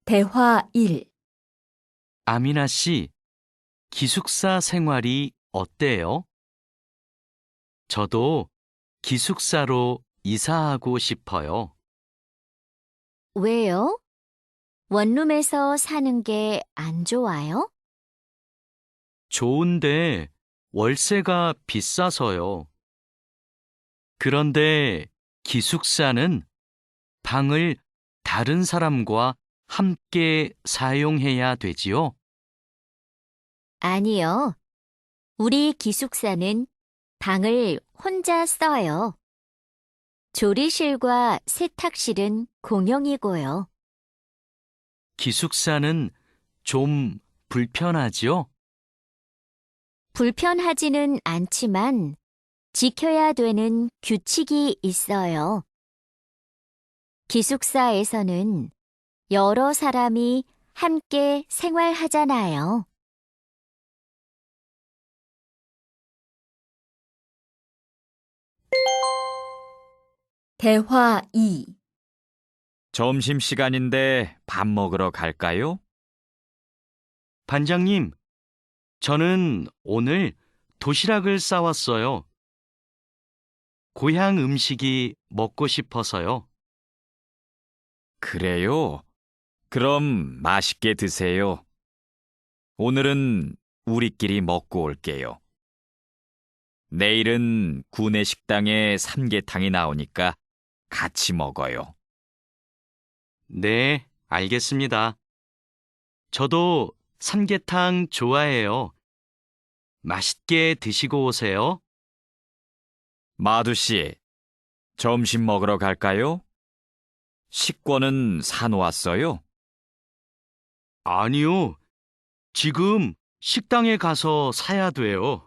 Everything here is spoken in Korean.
대화 1. 아미나 씨, 기숙사 생활이 어때요? 저도 기숙사로 이사하고 싶어요. 왜요? 원룸에서 사는 게 안 좋아요? 좋은데 월세가 비싸서요. 그런데 기숙사는 방을 다른 사람과 함께 사용해야 되지요? 아니요. 우리 기숙사는 방을 혼자 써요. 조리실과 세탁실은 공용이고요. 기숙사는 좀 불편하지요? 불편하지는 않지만 지켜야 되는 규칙이 있어요. 기숙사에서는 여러 사람이 함께 생활하잖아요. 대화 2. 점심시간인데 밥 먹으러 갈까요? 반장님, 저는 오늘 도시락을 싸왔어요. 고향 음식이 먹고 싶어서요. 그래요? 그럼 맛있게 드세요. 오늘은 우리끼리 먹고 올게요. 내일은 구내 식당에 삼계탕이 나오니까 같이 먹어요. 네, 알겠습니다. 저도 삼계탕 좋아해요. 맛있게 드시고 오세요. 마두 씨, 점심 먹으러 갈까요? 식권은 사놓았어요? 아니요, 지금 식당에 가서 사야 돼요.